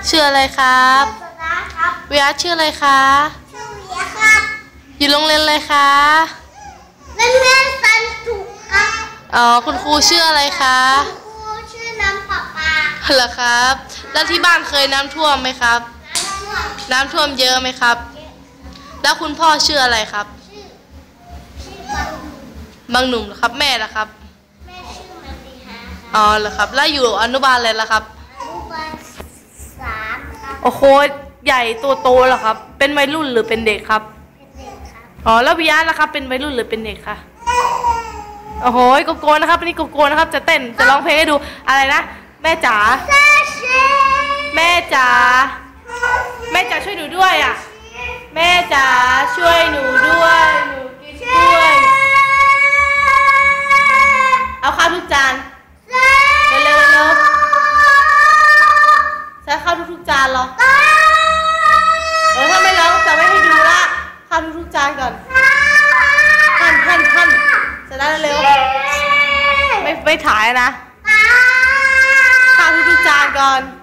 ชื่ออะไรครับวิยาชื่ออะไรคะชื่อวิยาครับอยู่โรงเรียนอะไรคะโรงเรียนสันตุครับอ๋อคุณครูชื่ออะไรคะคุณครูชื่อน้ำประปาเหรอครับแล้วที่บ้านเคยน้ำท่วมไหมครับน้ำท่วมเยอะไหมครับแล้วคุณพ่อชื่ออะไรครับชื่บางหนุ่มเหรอครับแม่ล่ะครับแม่ชื่อมาติฮาอ๋อเหรอครับแล้วอยู่อนุบาลอะไรล่ะครับอนุบาล3ครับโอ้โหใหญ่ตัวโตเหรอครับเป็นวัยรุ่นหรือเป็นเด็กครับเป็นเด็กครับอ๋อแล้ววิยาล่ะครับเป็นวัยรุ่นหรือเป็นเด็กคะโอ้โหโกโก้นะครับนี่โกโก้นะครับจะเต้นจะร้องเพลงให้ดูอะไรนะแม่จ๋าแม่จ๋าแม่จ๋าช่วยหนูด้วยอ่ะแม่จ๋าช่วยหนูด้วยหนูกินด้วยเอาข้าวทุกจานเร็วเร็วใช้ข้าวทุกจานเหรอถ้าไม่ร้องจะไม่ให้ดูละข้าวทุกจานก่อนท่านจะได้เร็วไม่ถ่ายนะข้าวทุกจานก่อน